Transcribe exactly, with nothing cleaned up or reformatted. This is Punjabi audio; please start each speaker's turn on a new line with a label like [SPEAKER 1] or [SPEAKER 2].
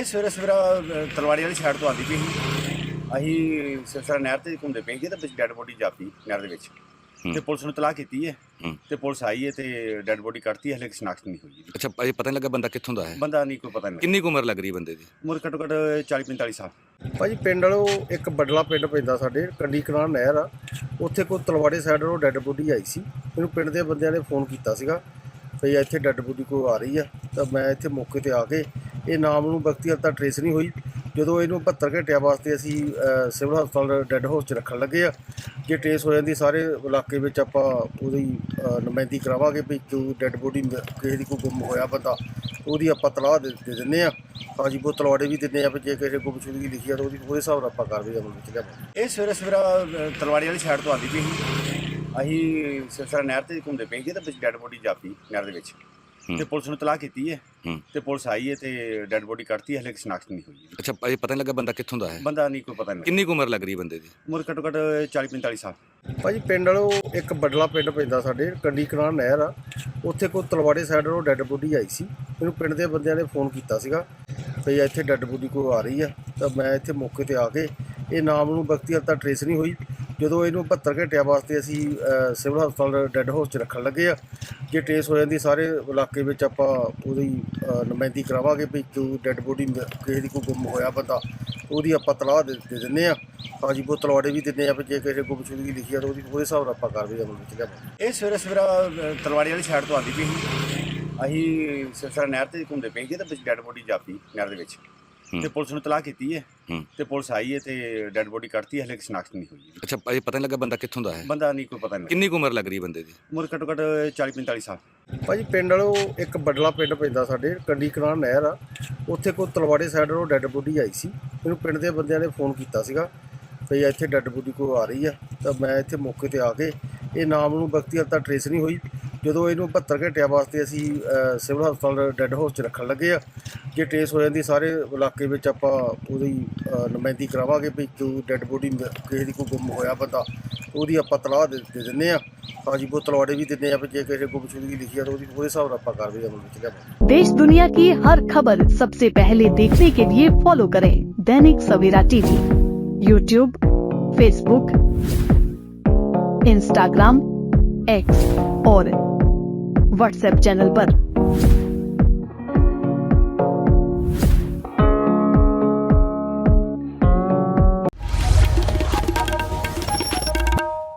[SPEAKER 1] ਇਹ ਸਵੇਰੇ ਸਵੇਰਾ ਅ, ਤਲਵਾੜੀ ਵਾਲੀ ਸਾਈਡ ਤੋਂ ਆਉਂਦੀ ਪਈ ਸੀ। ਅਸੀਂ ਸਿਰਸਰਾ ਨਹਿਰ ਤੇ ਘੁੰਮਦੇ ਪਏ ਸੀ ਤੇ ਵਿੱਚ ਡੈੱਡ ਬੋਡੀ ਜਾਪੀ ਨਹਿਰ ਦੇ ਵਿੱਚ
[SPEAKER 2] ਹੂੰ।
[SPEAKER 1] ਤੇ ਪੁਲਿਸ ਨੂੰ ਤਲਾਹ ਕੀਤੀ ਹੈ
[SPEAKER 2] ਹੂੰ।
[SPEAKER 1] ਤੇ ਪੁਲਿਸ ਆਈ ਹੈ ਤੇ ਡੈੱਡ ਬੋਡੀ ਕੱਢਤੀ ਹੈ, ਹਲੇ ਸ਼ਨਾਖਤ ਨਹੀਂ ਹੋਈ।
[SPEAKER 2] ਅੱਛਾ ਭਾਈ, ਪਤਾ ਨਹੀਂ ਲੱਗਾ ਬੰਦਾ ਕਿੱਥੋਂ ਦਾ ਹੈ?
[SPEAKER 1] ਬੰਦਾ ਨਹੀਂ ਕੋਈ ਪਤਾ ਨਹੀਂ।
[SPEAKER 2] ਕਿੰਨੀ ਕੁ ਉਮਰ ਲੱਗ ਰਹੀ ਬੰਦੇ ਦੀ?
[SPEAKER 1] ਉਮਰ ਘੱਟੋ ਘੱਟ ਚਾਲੀ ਪੰਤਾਲੀ ਸਾਲ।
[SPEAKER 3] ਭਾਜੀ ਪਿੰਡ ਵਾਲੋ ਇੱਕ ਬਡਲਾ ਪਿੰਡ ਪੈਂਦਾ ਸਾਡੇ, ਕੰਡੀ ਕਨਾਲ ਨਹਿਰ ਆ ਉੱਥੇ ਕੋਈ ਤਲਵਾੜੇ ਸਾਈਡ ਤੋਂ ਡੈੱਡ ਬੋਡੀ ਆਈ ਸੀ। ਮੈਨੂੰ ਪਿੰਡ ਦੇ ਬੰਦਿਆਂ ਨੇ ਫੋਨ ਕੀਤਾ ਸੀਗਾ ਭਈ ਇੱਥੇ ਡੈੱਡ ਬੋਡੀ ਕੋਈ ਆ ਰਹੀ ਆ, ਤਾਂ ਮੈਂ ਇੱਥੇ ਮੌਕੇ ਤੇ ਆ ਕੇ ਇਹ ਨਾਮ ਨੂੰ ਵਿਅਕਤੀ ਹਾਲੇ ਤੱਕ ਟਰੇਸ ਨਹੀਂ ਹੋਈ। ਜਦੋਂ ਇਹਨੂੰ ਬਹੱਤਰ ਘੰਟਿਆਂ ਵਾਸਤੇ ਅਸੀਂ ਅ, ਸਿਵਲ ਹਸਪਤਾਲ ਡੈੱਡ ਹਾਊਸ 'ਚ ਰੱਖਣ ਲੱਗੇ ਆ, ਜੇ ਟਰੇਸ ਹੋ ਜਾਂਦੀ ਸਾਰੇ ਇਲਾਕੇ ਵਿੱਚ ਆਪਾਂ ਉਹਦੀ ਅ, ਨੁਮਾਇੰਦਗੀ ਕਰਾਵਾਂਗੇ ਵੀ ਜੋ ਡੈੱਡ ਬੋਡੀ ਕਿਸੇ ਦੀ ਕੋਈ ਗੁੰਮ ਹੋਇਆ ਬੰਦਾ ਉਹਦੀ ਆਪਾਂ ਤਲਾਹ ਦੇ ਦੇ ਦਿੰਦੇ ਆ। ਹਾਂਜੀ ਉਹ ਤਲਵਾੜੇ ਵੀ ਦਿੰਦੇ ਆ ਵੀ ਜੇ ਕਿਸੇ ਗੁੰਮਸ਼ੁਦਗੀ ਲਿਖੀ ਆ ਤਾਂ ਉਹਦੀ ਉਹਦੇ ਹਿਸਾਬ ਨਾਲ ਆਪਾਂ ਕਾਰਵਾਈ ਅਮਲ ਵਿੱਚ ਲਿਆਵਾਂਗੇ।
[SPEAKER 1] ਇਹ ਸਵੇਰੇ ਸਵੇਰਾ ਅ, ਤਲਵਾੜੀ ਵਾਲੀ ਸਾਈਡ ਤੋਂ ਆਉਂਦੀ ਪਈ ਸੀ। ਅਸੀਂ ਸਿਰਸਰਾ ਨਹਿਰ ਤੇ ਘੁੰਮਦੇ ਪਏ ਸੀ ਤੇ ਵਿੱਚ ਡੈੱਡ ਬੋਡੀ ਜਾਪੀ ਨਹਿਰ ਦੇ ਵਿੱਚ
[SPEAKER 2] ਹੂੰ।
[SPEAKER 1] ਤੇ ਪੁਲਿਸ ਨੂੰ ਤਲਾਹ ਕੀਤੀ ਹੈ
[SPEAKER 2] ਹੂੰ।
[SPEAKER 1] ਤੇ ਪੁਲਿਸ ਆਈ ਹੈ ਤੇ ਡੈੱਡ ਬੋਡੀ ਕੱਢਤੀ ਹੈ, ਹਲੇ ਸ਼ਨਾਖਤ ਨਹੀਂ ਹੋਈ।
[SPEAKER 2] ਅੱਛਾ ਭਾਈ, ਪਤਾ ਨਹੀਂ ਲੱਗਾ ਬੰਦਾ ਕਿੱਥੋਂ ਦਾ ਹੈ?
[SPEAKER 1] ਬੰਦਾ ਨਹੀਂ ਕੋਈ ਪਤਾ ਨਹੀਂ।
[SPEAKER 2] ਕਿੰਨੀ ਕੁ ਉਮਰ ਲੱਗ ਰਹੀ ਬੰਦੇ ਦੀ?
[SPEAKER 1] ਉਮਰ ਘੱਟੋ ਘੱਟ ਚਾਲੀ ਪੰਤਾਲੀ ਸਾਲ।
[SPEAKER 3] ਭਾਜੀ ਪਿੰਡ ਵਾਲੋ ਇੱਕ ਬਡਲਾ ਪਿੰਡ ਪੈਂਦਾ ਸਾਡੇ, ਕੰਡੀ ਕਨਾਲ ਨਹਿਰ ਆ ਉੱਥੇ ਕੋਈ ਤਲਵਾੜੇ ਸਾਈਡ ਤੋਂ ਡੈੱਡ ਬੋਡੀ ਆਈ ਸੀ। ਮੈਨੂੰ ਪਿੰਡ ਦੇ ਬੰਦਿਆਂ ਨੇ ਫੋਨ ਕੀਤਾ ਸੀਗਾ ਭਈ ਇੱਥੇ ਡੈੱਡ ਬੋਡੀ ਕੋਈ ਆ ਰਹੀ ਆ, ਤਾਂ ਮੈਂ ਇੱਥੇ ਮੌਕੇ ਤੇ ਆ ਕੇ ਇਹ ਨਾਮ ਨੂੰ ਵਿਅਕਤੀ ਹਾਲੇ ਤੱਕ ਟਰੇਸ ਨਹੀਂ ਹੋਈ। ਜਦੋਂ ਇਹਨੂੰ ਬਹੱਤਰ ਘੰਟਿਆਂ ਵਾਸਤੇ ਅਸੀਂ ਅ, ਸਿਵਲ ਹਸਪਤਾਲ ਡੈੱਡ ਹਾਊਸ 'ਚ ਰੱਖਣ ਲੱਗੇ ਆ, ਜੇ ਟਰੇਸ ਹੋ ਜਾਂਦੀ ਸਾਰੇ ਇਲਾਕੇ ਵਿੱਚ ਆਪਾਂ ਉਹਦੀ ਅ, ਨੁਮਾਇੰਦਗੀ ਕਰਾਵਾਂਗੇ ਵੀ ਜੋ ਡੈੱਡ ਬੋਡੀ ਕਿਸੇ ਦੀ ਕੋਈ ਗੁੰਮ ਹੋਇਆ ਬੰਦਾ ਉਹਦੀ ਆਪਾਂ ਤਲਾਹ ਦੇ ਦੇ ਦਿੰਦੇ ਆ। ਹਾਂਜੀ ਉਹ ਤਲਵਾੜੇ ਵੀ ਦਿੰਦੇ ਆ ਵੀ ਜੇ ਕਿਸੇ ਗੁੰਮਸ਼ੁਦਗੀ ਲਿਖੀ ਆ ਤਾਂ ਉਹਦੀ ਉਹਦੇ ਹਿਸਾਬ ਨਾਲ ਆਪਾਂ ਕਾਰਵਾਈ ਅਮਲ ਵਿੱਚ ਲਿਆਵਾਂਗੇ।
[SPEAKER 1] ਇਹ ਸਵੇਰੇ ਸਵੇਰਾ ਅ, ਤਲਵਾੜੀ ਵਾਲੀ ਸਾਈਡ ਤੋਂ ਆਉਂਦੀ ਪਈ ਸੀ। ਅਸੀਂ ਸਿਰਸਰਾ ਨਹਿਰ ਤੇ ਘੁੰਮਦੇ ਪਏ ਸੀ ਤੇ ਵਿੱਚ ਡੈੱਡ ਬੋਡੀ ਜਾਪੀ ਨਹਿਰ ਦੇ ਵਿੱਚ
[SPEAKER 2] ਹੂੰ।
[SPEAKER 1] ਤੇ ਪੁਲਿਸ ਨੂੰ ਤਲਾਹ ਕੀਤੀ ਹੈ
[SPEAKER 2] ਹੂੰ।
[SPEAKER 1] ਤੇ ਪੁਲਿਸ ਆਈ ਹੈ ਤੇ ਡੈੱਡ ਬੋਡੀ ਕੱਢਤੀ ਹੈ, ਹਲੇ ਸ਼ਨਾਖਤ ਨਹੀਂ ਹੋਈ।
[SPEAKER 2] ਅੱਛਾ ਭਾਈ, ਪਤਾ ਨਹੀਂ ਲੱਗਾ ਬੰਦਾ ਕਿੱਥੋਂ ਦਾ ਹੈ?
[SPEAKER 1] ਬੰਦਾ ਨਹੀਂ ਕੋਈ ਪਤਾ ਨਹੀਂ।
[SPEAKER 2] ਕਿੰਨੀ ਕੁ ਉਮਰ ਲੱਗ ਰਹੀ ਬੰਦੇ ਦੀ?
[SPEAKER 1] ਉਮਰ ਘੱਟੋ ਘੱਟ ਚਾਲੀ ਪੰਤਾਲੀ ਸਾਲ।
[SPEAKER 3] ਭਾਜੀ ਪਿੰਡ ਵਾਲੋ ਇੱਕ ਬਡਲਾ ਪਿੰਡ ਪੈਂਦਾ ਸਾਡੇ, ਕੰਡੀ ਕਨਾਲ ਨਹਿਰ ਆ ਉੱਥੇ ਕੋਈ ਤਲਵਾੜੇ ਸਾਈਡ ਤੋਂ ਡੈੱਡ ਬੋਡੀ ਆਈ ਸੀ। ਮੈਨੂੰ ਪਿੰਡ ਦੇ ਬੰਦਿਆਂ ਨੇ ਫੋਨ ਕੀਤਾ ਸੀਗਾ ਭਈ ਇੱਥੇ ਡੈੱਡ ਬੋਡੀ ਕੋਈ ਆ ਰਹੀ ਆ, ਤਾਂ ਮੈਂ ਇੱਥੇ ਮੌਕੇ ਤੇ ਆ ਕੇ ਇਹ ਨਾਮ ਨੂੰ ਵਿਅਕਤੀ ਹਾਲੇ ਤੱਕ ਟਰੇਸ ਨਹੀਂ ਹੋਈ। ਜਦੋਂ ਇਹਨੂੰ ਬਹੱਤਰ ਘੰਟਿਆਂ ਵਾਸਤੇ ਅਸੀਂ ਅ, ਸਿਵਲ ਹਸਪਤਾਲ ਡੈੱਡ ਹਾਊਸ 'ਚ ਰੱਖਣ ਲੱਗੇ ਆ, ਜੇ ਟਰੇਸ ਹੋ ਜਾਂਦੀ ਸਾਰੇ ਇਲਾਕੇ ਵਿੱਚ ਆਪਾਂ ਉਹਦੀ ਅ, ਨੁਮਾਇੰਦਗੀ ਕਰਾਵਾਂਗੇ ਵੀ ਜੋ ਡੈੱਡ ਬੋਡੀ ਕਿਸੇ ਦੀ ਕੋਈ ਗੁੰਮ ਹੋਇਆ ਬੰਦਾ ਉਹਦੀ ਆਪਾਂ ਤਲਾਹ ਦੇ ਦੇ ਦਿੰਦੇ ਆ। ਹਾਂਜੀ ਉਹ ਤਲਵਾੜੇ ਵੀ ਦਿੰਦੇ ਆ ਵੀ ਜੇ ਕਿਸੇ ਗੁੰਮਸ਼ੁਦਗੀ ਲਿਖੀ ਆ ਤਾਂ ਉਹਦੀ ਉਹਦੇ ਹਿਸਾਬ ਨਾਲ ਆਪਾਂ ਕਾਰਵਾਈ ਅਮਲ ਵਿੱਚ ਲਿਆਵਾਂਗੇ।
[SPEAKER 4] देश दुनिया की हर खबर सबसे पहले देखने के लिए फॉलो करें Dainik Savera TV, YouTube, Facebook, Instagram, X और व्हाट्सएप चैनल पर।